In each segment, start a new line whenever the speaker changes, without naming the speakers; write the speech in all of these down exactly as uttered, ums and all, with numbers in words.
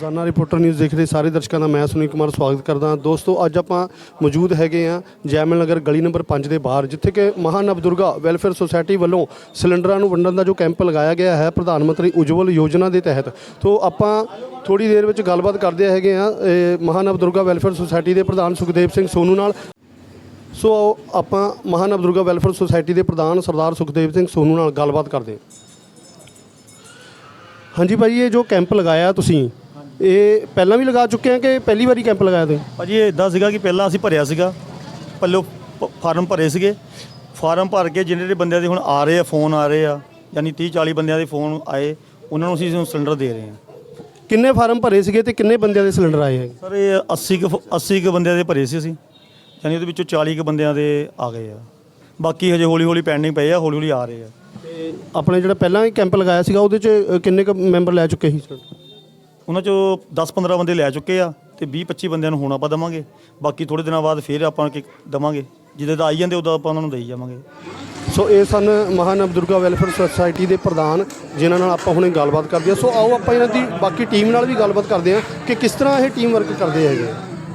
ਰੋਜ਼ਾਨਾ reporter news ਦੇਖ ਰਹੇ ਸਾਰੇ ਦਰਸ਼ਕਾਂ ਦਾ ਮੈਂ ਸੁਨੀਲ ਕੁਮਾਰ ਸਵਾਗਤ ਕਰਦਾ ਹਾਂ। ਦੋਸਤੋ ਅੱਜ ਆਪਾਂ ਮੌਜੂਦ ਹੈਗੇ ਹਾਂ ਜੈਮਲ ਨਗਰ ਗਲੀ ਨੰਬਰ ਪੰਜ ਦੇ ਬਾਹਰ, ਜਿੱਥੇ ਕਿ ਮਹਾਨਵਦੁਰਗਾ ਵੈਲਫੇਅਰ ਸੁਸਾਇਟੀ ਵੱਲੋਂ ਸਿਲੰਡਰਾਂ ਨੂੰ ਵੰਡਣ ਦਾ ਜੋ ਕੈਂਪ ਲਗਾਇਆ ਗਿਆ ਹੈ ਪ੍ਰਧਾਨ ਮੰਤਰੀ ਉਜਵਲ ਯੋਜਨਾ ਦੇ ਤਹਿਤ। ਤੋਂ ਆਪਾਂ ਥੋੜੀ ਦੇਰ ਵਿੱਚ ਗੱਲਬਾਤ ਕਰਦੇ ਹੈਗੇ ਹਾਂ ਮਹਾਨਵਦੁਰਗਾ ਵੈਲਫੇਅਰ ਸੁਸਾਇਟੀ ਦੇ ਪ੍ਰਧਾਨ ਸੁਖਦੇਵ ਸਿੰਘ ਸੋਨੂ ਨਾਲ। ਸੋ ਆਪਾਂ ਮਹਾਨਵਦੁਰਗਾ ਵੈਲਫੇਅਰ ਸੁਸਾਇਟੀ ਦੇ ਪ੍ਰਧਾਨ ਸਰਦਾਰ ਸੁਖਦੇਵ ਸਿੰਘ ਸੋਨੂ ਨਾਲ ਗੱਲਬਾਤ ਕਰਦੇ ਹਾਂ। ਹਾਂਜੀ ਭਾਈ, ਇਹ ਜੋ ਕੈਂਪ ਲਗਾਇਆ ਤੁਸੀਂ ਇਹ ਪਹਿਲਾਂ ਵੀ ਲਗਾ ਚੁੱਕੇ ਆ ਕਿ ਪਹਿਲੀ ਵਾਰੀ ਕੈਂਪ ਲਗਾਇਆ ਤੁਸੀਂ?
ਭਾਜੀ ਇਹ ਇੱਦਾਂ ਸੀਗਾ ਕਿ ਪਹਿਲਾਂ ਅਸੀਂ ਭਰਿਆ ਸੀਗਾ, ਪੱਲੋ ਫਾਰਮ ਭਰੇ ਸੀਗੇ। ਫਾਰਮ ਭਰ ਕੇ ਜਿਹੜੇ ਬੰਦਿਆਂ ਦੇ ਹੁਣ ਆ ਰਹੇ ਆ, ਫੋਨ ਆ ਰਹੇ ਆ, ਯਾਨੀ ਤੀਹ ਚਾਲੀ ਬੰਦਿਆਂ ਦੇ ਫੋਨ ਆਏ, ਉਹਨਾਂ ਨੂੰ ਅਸੀਂ ਸਿਲੰਡਰ ਦੇ ਰਹੇ ਹਾਂ।
ਕਿੰਨੇ ਫਾਰਮ ਭਰੇ ਸੀਗੇ ਤੇ ਕਿੰਨੇ ਬੰਦਿਆਂ ਦੇ ਸਿਲੰਡਰ ਆਏ ਹੈ?
ਸਰ ਇਹ ਅੱਸੀ ਕੁ ਅੱਸੀ ਕੁ ਬੰਦਿਆਂ ਦੇ ਭਰੇ ਸੀ ਅਸੀਂ, ਯਾਨੀ ਉਹਦੇ ਵਿੱਚੋਂ ਚਾਲੀ ਕੁ ਬੰਦਿਆਂ ਦੇ ਆ ਗਏ ਆ। ਬਾਕੀ ਹਜੇ ਹੌਲੀ ਹੌਲੀ ਪੈਂਡਿੰਗ ਪਏ ਆ, ਹੌਲੀ ਹੌਲੀ ਆ ਰਹੇ ਆ।
ਤੇ ਆਪਣੇ ਜਿਹੜਾ ਪਹਿਲਾਂ ਹੀ ਕੈਂਪ ਲਗਾਇਆ ਸੀਗਾ ਉਹਦੇ 'ਚ ਕਿੰਨੇ ਕੁ ਮੈਂਬਰ ਲੈ ਚੁੱਕੇ ਸੀ?
ਉਹਨਾਂ 'ਚੋਂ ਦਸ ਪੰਦਰਾਂ ਬੰਦੇ ਲੈ ਚੁੱਕੇ ਆ ਅਤੇ ਵੀਹ ਪੱਚੀ ਬੰਦਿਆਂ ਨੂੰ ਹੁਣ ਆਪਾਂ ਦੇਵਾਂਗੇ। ਬਾਕੀ ਥੋੜ੍ਹੇ ਦਿਨਾਂ ਬਾਅਦ ਫਿਰ ਆਪਾਂ ਕਿ ਦੇਵਾਂਗੇ, ਜਿੱਦਾਂ ਦਾ ਆਈ ਜਾਂਦੇ ਉਦੋਂ ਆਪਾਂ ਉਹਨਾਂ ਨੂੰ ਦੇਈ ਜਾਵਾਂਗੇ।
ਸੋ ਇਹ ਸਨ ਮਹਾਨਵਦੁਰਗਾ ਵੈਲਫੇਅਰ ਸੁਸਾਇਟੀ ਦੇ ਪ੍ਰਧਾਨ, ਜਿਨ੍ਹਾਂ ਨਾਲ ਆਪਾਂ ਹੁਣੇ ਗੱਲਬਾਤ ਕਰਦੇ ਹਾਂ। ਸੋ ਆਓ ਆਪਾਂ ਇਹਨਾਂ ਦੀ ਬਾਕੀ ਟੀਮ ਨਾਲ ਵੀ ਗੱਲਬਾਤ ਕਰਦੇ ਹਾਂ ਕਿ ਕਿਸ ਤਰ੍ਹਾਂ ਇਹ ਟੀਮ ਵਰਕ ਕਰਦੇ ਹੈਗੇ।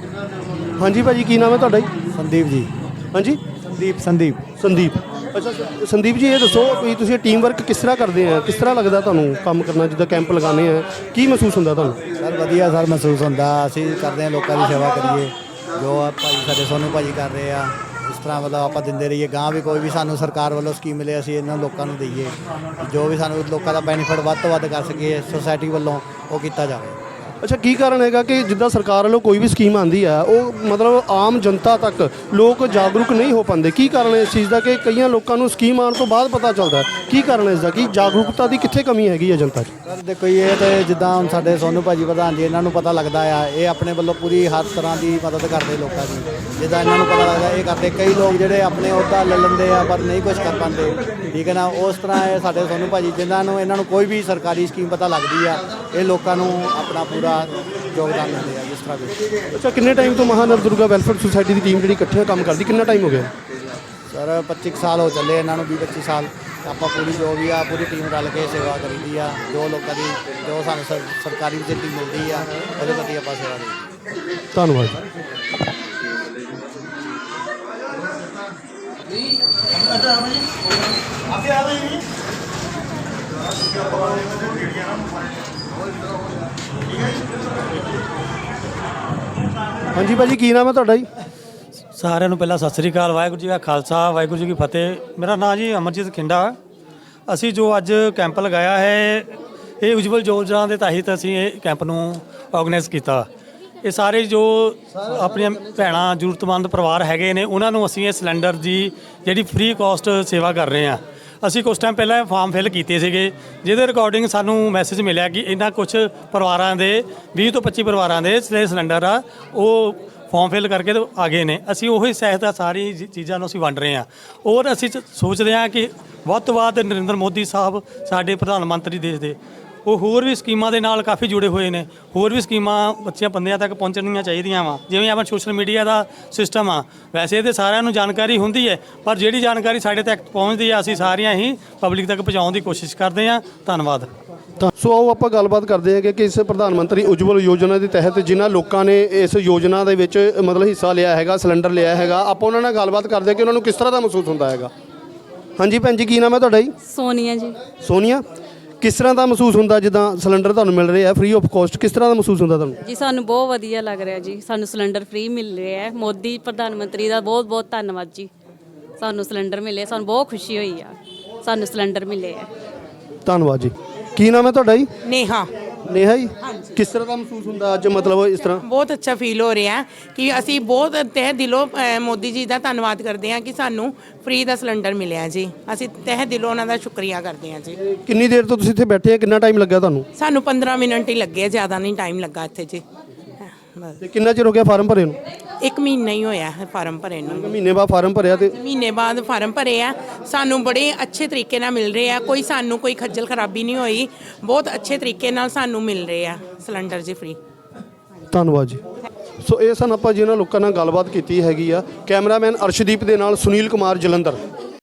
ਹਾਂਜੀ ਭਾਜੀ, ਕੀ ਨਾਮ ਹੈ ਤੁਹਾਡਾ ਜੀ?
ਸੰਦੀਪ ਜੀ।
ਹਾਂਜੀ
ਸੰਦੀਪ ਸੰਦੀਪ
ਸੰਦੀਪ ਅੱਛਾ ਸੰਦੀਪ ਜੀ, ਇਹ ਦੱਸੋ ਵੀ ਤੁਸੀਂ ਟੀਮ ਵਰਕ ਕਿਸ ਤਰ੍ਹਾਂ ਕਰਦੇ ਆ? ਕਿਸ ਤਰ੍ਹਾਂ ਲੱਗਦਾ ਤੁਹਾਨੂੰ ਕੰਮ ਕਰਨਾ? ਜਿੱਦਾਂ ਕੈਂਪ ਲਗਾਉਂਦੇ ਆ, ਕੀ ਮਹਿਸੂਸ ਹੁੰਦਾ ਤੁਹਾਨੂੰ?
ਸਰ ਵਧੀਆ ਸਰ ਮਹਿਸੂਸ ਹੁੰਦਾ। ਅਸੀਂ ਕਰਦੇ ਹਾਂ ਲੋਕਾਂ ਦੀ ਸੇਵਾ ਕਰੀਏ, ਜੋ ਆ ਭਾਈ ਸਾਡੇ ਸੋਨੂ ਭਾਜੀ ਕਰ ਰਹੇ ਆ। ਇਸ ਤਰ੍ਹਾਂ ਮਤਲਬ ਆਪਾਂ ਦਿੰਦੇ ਰਹੀਏ, ਗਾਂ ਵੀ ਕੋਈ ਵੀ ਸਾਨੂੰ ਸਰਕਾਰ ਵੱਲੋਂ ਸਕੀਮ ਮਿਲੇ ਅਸੀਂ ਇਹਨਾਂ ਲੋਕਾਂ ਨੂੰ ਦਈਏ, ਜੋ ਵੀ ਸਾਨੂੰ ਲੋਕਾਂ ਦਾ ਬੈਨੀਫਿਟ ਵੱਧ ਤੋਂ ਵੱਧ ਕਰ ਸਕੀਏ ਸੁਸਾਇਟੀ ਵੱਲੋਂ ਉਹ ਕੀਤਾ ਜਾਵੇ।
ਅੱਛਾ, ਕੀ ਕਾਰਨ ਹੈਗਾ ਕਿ ਜਿੱਦਾਂ ਸਰਕਾਰ ਵੱਲੋਂ ਕੋਈ ਵੀ ਸਕੀਮ ਆਉਂਦੀ ਹੈ ਉਹ ਮਤਲਬ ਆਮ ਜਨਤਾ ਤੱਕ ਲੋਕ ਜਾਗਰੂਕ ਨਹੀਂ ਹੋ ਪਾਉਂਦੇ? ਕੀ ਕਾਰਨ ਹੈ ਇਸ ਚੀਜ਼ ਦਾ ਕਿ ਕਈਆਂ ਲੋਕਾਂ ਨੂੰ ਸਕੀਮ ਆਉਣ ਤੋਂ ਬਾਅਦ ਪਤਾ ਚੱਲਦਾ? ਕੀ ਕਾਰਨ ਹੈ ਇਸ ਦਾ? ਕੀ ਜਾਗਰੂਕਤਾ ਦੀ ਕਿੱਥੇ ਕਮੀ ਹੈਗੀ ਹੈ ਜਨਤਾ 'ਚ?
ਸਰ ਦੇਖੋ ਇਹ ਤਾਂ ਜਿੱਦਾਂ ਹੁਣ ਸਾਡੇ ਸੋਨੂ ਭਾਜੀ ਪ੍ਰਧਾਨ ਜੀ, ਇਹਨਾਂ ਨੂੰ ਪਤਾ ਲੱਗਦਾ ਆ, ਇਹ ਆਪਣੇ ਵੱਲੋਂ ਪੂਰੀ ਹਰ ਤਰ੍ਹਾਂ ਦੀ ਮਦਦ ਕਰਦੇ ਲੋਕਾਂ ਦੀ। ਜਿੱਦਾਂ ਇਹਨਾਂ ਨੂੰ ਪਤਾ ਲੱਗਦਾ ਇਹ ਕਰਦੇ। ਕਈ ਲੋਕ ਜਿਹੜੇ ਆਪਣੇ ਅਹੁਦਾ ਲੈ ਲੈਂਦੇ ਆ ਪਰ ਨਹੀਂ ਕੁਝ ਕਰ ਪਾਉਂਦੇ, ਠੀਕ ਹੈ ਨਾ। ਉਸ ਤਰ੍ਹਾਂ ਇਹ ਸਾਡੇ ਸੋਨੂ ਭਾਜੀ ਜਿਨ੍ਹਾਂ ਨੂੰ ਇਹਨਾਂ ਨੂੰ ਕੋਈ ਵੀ ਸਰਕਾਰੀ ਸਕੀਮ ਪਤਾ ਲੱਗਦੀ ਆ, ਇਹ ਲੋਕਾਂ ਨੂੰ ਆਪਣਾ ਪੂਰਾ ਯੋਗਦਾਨ ਦਿੰਦੇ ਆ ਜਿਸ ਤਰ੍ਹਾਂ ਵੀ।
ਅੱਛਾ, ਕਿੰਨੇ ਟਾਈਮ ਤੋਂ ਮਹਾਨਵਦੁਰਗਾ ਵੈਲਫੇਅਰ ਸੁਸਾਇਟੀ ਦੀ ਟੀਮ ਜਿਹੜੀ ਇਕੱਠਿਆਂ ਕੰਮ ਕਰਦੀ, ਕਿੰਨਾ ਟਾਈਮ ਹੋ ਗਿਆ?
ਸਰ ਪੱਚੀ ਸਾਲ ਹੋ ਚੱਲੇ ਇਹਨਾਂ ਨੂੰ, ਵੀਹ ਪੱਚੀ ਸਾਲ। ਆਪਾਂ ਪੂਰੀ ਜੋ ਵੀ ਆ ਪੂਰੀ ਟੀਮ ਰਲ ਕੇ ਸੇਵਾ ਕਰੀਦੀ ਆ। ਜੋ ਲੋਕਾਂ ਦੀ ਜੋ ਸਾਨੂੰ ਸਰ ਸਰਕਾਰੀ ਫੈਸਿਲਿਟੀ ਮਿਲਦੀ ਆ ਉਹਦੇ ਪ੍ਰਤੀ ਆਪਾਂ ਸੇਵਾ ਕਰੀਦੀ।
ਧੰਨਵਾਦ। ਹਾਂਜੀ ਭਾਜੀ, ਕੀ ਨਾਮ ਹੈ ਤੁਹਾਡਾ ਜੀ?
ਸਾਰਿਆਂ ਨੂੰ ਪਹਿਲਾਂ ਸਤਿ ਸ੍ਰੀ ਅਕਾਲ। ਵਾਹਿਗੁਰੂ ਜੀ ਕਾ ਖਾਲਸਾ, ਵਾਹਿਗੁਰੂ ਜੀ ਕੀ ਫਤਿਹ। ਮੇਰਾ ਨਾਮ ਜੀ ਅਮਰਜੀਤ ਖਿੰਡਾ। ਅਸੀਂ ਜੋ ਅੱਜ ਕੈਂਪ ਲਗਾਇਆ ਹੈ ਇਹ ਉਜਵਲ ਯੋਜਨਾ ਦੇ ਤਹਿਤ ਅਸੀਂ ਇਹ ਕੈਂਪ ਨੂੰ ਆਰਗੇਨਾਈਜ਼ ਕੀਤਾ। ਇਹ ਸਾਰੇ ਜੋ ਆਪਣੀਆਂ ਭੈਣਾਂ ਜ਼ਰੂਰਤਮੰਦ ਪਰਿਵਾਰ ਹੈਗੇ ਨੇ ਉਹਨਾਂ ਨੂੰ ਅਸੀਂ ਇਹ ਸਿਲੰਡਰ ਦੀ ਜਿਹੜੀ ਫ੍ਰੀ ਕਾਸਟ ਸੇਵਾ ਕਰ ਰਹੇ ਹਾਂ। ਅਸੀਂ ਕੁਛ ਟਾਈਮ ਪਹਿਲਾਂ ਫਾਰਮ ਫਿਲ ਕੀਤੇ ਸੀਗੇ, ਜਿਹਦੇ ਰਿਕਾਰਡਿੰਗ ਸਾਨੂੰ ਮੈਸੇਜ ਮਿਲਿਆ ਕਿ ਇਹਨਾਂ ਕੁਛ ਪਰਿਵਾਰਾਂ ਦੇ ਵੀਹ ਤੋਂ ਪੱਚੀ ਪਰਿਵਾਰਾਂ ਦੇ ਸਿਲੰਡਰ ਆ ਉਹ ਫਾਰਮ ਫਿਲ ਕਰਕੇ ਆ ਗਏ ਨੇ। ਅਸੀਂ ਉਹੀ ਸਹਾਇਤਾ ਸਾਰੀ ਚੀਜ਼ਾਂ ਨੂੰ ਅਸੀਂ ਵੰਡ ਰਹੇ ਹਾਂ। ਔਰ ਅਸੀਂ ਸੋਚਦੇ ਹਾਂ ਕਿ ਵੱਧ ਤੋਂ ਵੱਧ ਨਰਿੰਦਰ ਮੋਦੀ ਸਾਹਿਬ ਸਾਡੇ ਪ੍ਰਧਾਨ ਮੰਤਰੀ ਦੇਸ਼ ਦੇ, ਉਹ ਹੋਰ ਵੀ ਸਕੀਮਾਂ ਦੇ ਨਾਲ ਕਾਫੀ ਜੁੜੇ ਹੋਏ ਨੇ। ਹੋਰ ਵੀ ਸਕੀਮਾਂ ਬੱਚਿਆਂ ਬੰਦਿਆਂ ਤੱਕ ਪਹੁੰਚਣੀਆਂ ਚਾਹੀਦੀਆਂ ਵਾ। ਜਿਵੇਂ ਆਪਾਂ ਸੋਸ਼ਲ ਮੀਡੀਆ ਦਾ ਸਿਸਟਮ ਆ, ਵੈਸੇ ਇਹ ਤਾਂ ਸਾਰਿਆਂ ਨੂੰ ਜਾਣਕਾਰੀ ਹੁੰਦੀ ਹੈ, ਪਰ ਜਿਹੜੀ ਜਾਣਕਾਰੀ ਸਾਡੇ ਤੱਕ ਪਹੁੰਚਦੀ ਆ ਅਸੀਂ ਸਾਰੀਆਂ ਹੀ ਪਬਲਿਕ ਤੱਕ ਪਹੁੰਚਾਉਣ ਦੀ ਕੋਸ਼ਿਸ਼ ਕਰਦੇ ਹਾਂ। ਧੰਨਵਾਦ।
ਸੋ ਆਓ ਆਪਾਂ ਗੱਲਬਾਤ ਕਰਦੇ ਹਾਂ ਕਿ ਇਸ ਪ੍ਰਧਾਨ ਮੰਤਰੀ ਉਜਵਲ ਯੋਜਨਾ ਦੇ ਤਹਿਤ ਜਿਨ੍ਹਾਂ ਲੋਕਾਂ ਨੇ ਇਸ ਯੋਜਨਾ ਦੇ ਵਿੱਚ ਮਤਲਬ ਹਿੱਸਾ ਲਿਆ ਹੈਗਾ, ਸਿਲੰਡਰ ਲਿਆ ਹੈਗਾ, ਆਪਾਂ ਉਹਨਾਂ ਨਾਲ ਗੱਲਬਾਤ ਕਰਦੇ ਹਾਂ ਕਿ ਉਹਨਾਂ ਨੂੰ ਕਿਸ ਤਰ੍ਹਾਂ ਦਾ ਮਹਿਸੂਸ ਹੁੰਦਾ ਹੈਗਾ। ਹਾਂਜੀ ਭੈਣ ਜੀ, ਕੀ ਨਾਮ ਹੈ ਤੁਹਾਡਾ ਜੀ?
ਸੋਨੀਆ ਜੀ।
ਸੋਨੀਆ, ਕਿਸ ਤਰ੍ਹਾਂ ਦਾ ਮਹਿਸੂਸ ਹੁੰਦਾ ਜਿੱਦਾਂ ਸਿਲੰਡਰ ਤੁਹਾਨੂੰ ਮਿਲ ਰਿਹਾ ਫ੍ਰੀ ਆਫ ਕਾਸਟ? ਕਿਸ ਤਰ੍ਹਾਂ ਦਾ ਮਹਿਸੂਸ ਹੁੰਦਾ ਤੁਹਾਨੂੰ?
ਜੀ ਸਾਨੂੰ ਬਹੁਤ ਵਧੀਆ ਲੱਗ ਰਿਹਾ ਜੀ, ਸਾਨੂੰ ਸਿਲੰਡਰ ਫ੍ਰੀ ਮਿਲ ਰਿਹਾ ਹੈ। ਮੋਦੀ ਪ੍ਰਧਾਨ ਮੰਤਰੀ ਦਾ ਬਹੁਤ ਬਹੁਤ ਧੰਨਵਾਦ ਜੀ। ਸਾਨੂੰ ਸਿਲੰਡਰ ਮਿਲੇ, ਸਾਨੂੰ ਬਹੁਤ ਖੁਸ਼ੀ ਹੋਈ ਆ, ਸਾਨੂੰ ਸਿਲੰਡਰ ਮਿਲੇ ਆ।
ਧੰਨਵਾਦ ਜੀ। ਕੀ ਨਾਮ ਹੈ ਤੁਹਾਡਾ ਜੀ?
ਨੇਹਾ।
ਨੇਹਾ ਜੀ, ਕਿਸ ਤਰ੍ਹਾਂ ਦਾ ਮਹਿਸੂਸ ਹੁੰਦਾ ਅੱਜ? ਮਤਲਬ ਇਸ ਤਰ੍ਹਾਂ
ਬਹੁਤ ਅੱਛਾ ਫੀਲ ਹੋ ਰਿਹਾ ਕਿ ਅਸੀਂ ਬਹੁਤ ਤਹਿ ਦਿਲੋਂ ਮੋਦੀ ਜੀ ਦਾ ਧੰਨਵਾਦ ਕਰਦੇ ਹਾਂ ਕਿ ਸਾਨੂੰ ਫ੍ਰੀ ਦਾ ਸਿਲੰਡਰ ਮਿਲਿਆ ਜੀ। ਅਸੀਂ ਤਹਿ ਦਿਲੋਂ ਉਹਨਾਂ ਦਾ ਸ਼ੁਕਰੀਆ ਕਰਦੇ ਹਾਂ ਜੀ।
ਕਿੰਨੀ ਦੇਰ ਤੋਂ ਤੁਸੀਂ ਇੱਥੇ ਬੈਠੇ ਆ? ਕਿੰਨਾ ਟਾਈਮ ਲੱਗਾ ਤੁਹਾਨੂੰ?
ਸਾਨੂੰ ਪੰਦਰਾਂ ਮਿੰਟ ਹੀ ਲੱਗੇ, ਜ਼ਿਆਦਾ ਨਹੀਂ ਟਾਈਮ ਲੱਗਾ ਇੱਥੇ ਜੀ।
ਤੇ ਕਿੰਨਾ ਚਿਰ ਹੋ ਗਿਆ ਫਾਰਮ ਭਰੇ ਨੂੰ?
ਇੱਕ ਮਹੀਨਾ ਹੀ ਹੋਇਆ ਹੈ ਫਾਰਮ ਭਰੇ ਨੂੰ।
ਮਹੀਨੇ ਬਾਅਦ ਫਾਰਮ ਭਰਿਆ ਤੇ
ਮਹੀਨੇ ਬਾਅਦ ਫਾਰਮ ਭਰੇ ਆ। ਸਾਨੂੰ ਬੜੇ ਅੱਛੇ ਤਰੀਕੇ ਨਾਲ ਮਿਲ ਰਹੇ ਆ, ਕੋਈ ਸਾਨੂੰ ਕੋਈ ਖੱਜਲ ਖਰਾਬੀ ਨਹੀਂ ਹੋਈ। ਬਹੁਤ ਅੱਛੇ ਤਰੀਕੇ ਨਾਲ ਸਾਨੂੰ ਮਿਲ ਰਹੇ ਆ ਸਿਲੰਡਰ ਜੀ ਫ੍ਰੀ।
ਧੰਨਵਾਦ ਜੀ। ਸੋ ਇਹ ਸਨ ਆਪਾਂ ਜਿਹਨਾਂ ਲੋਕਾਂ ਨਾਲ ਗੱਲਬਾਤ ਕੀਤੀ ਹੈਗੀ ਆ। ਕੈਮਰਾਮੈਨ ਅਰਸ਼ਦੀਪ ਦੇ ਨਾਲ ਸੁਨੀਲ ਕੁਮਾਰ ਜਲੰਧਰ।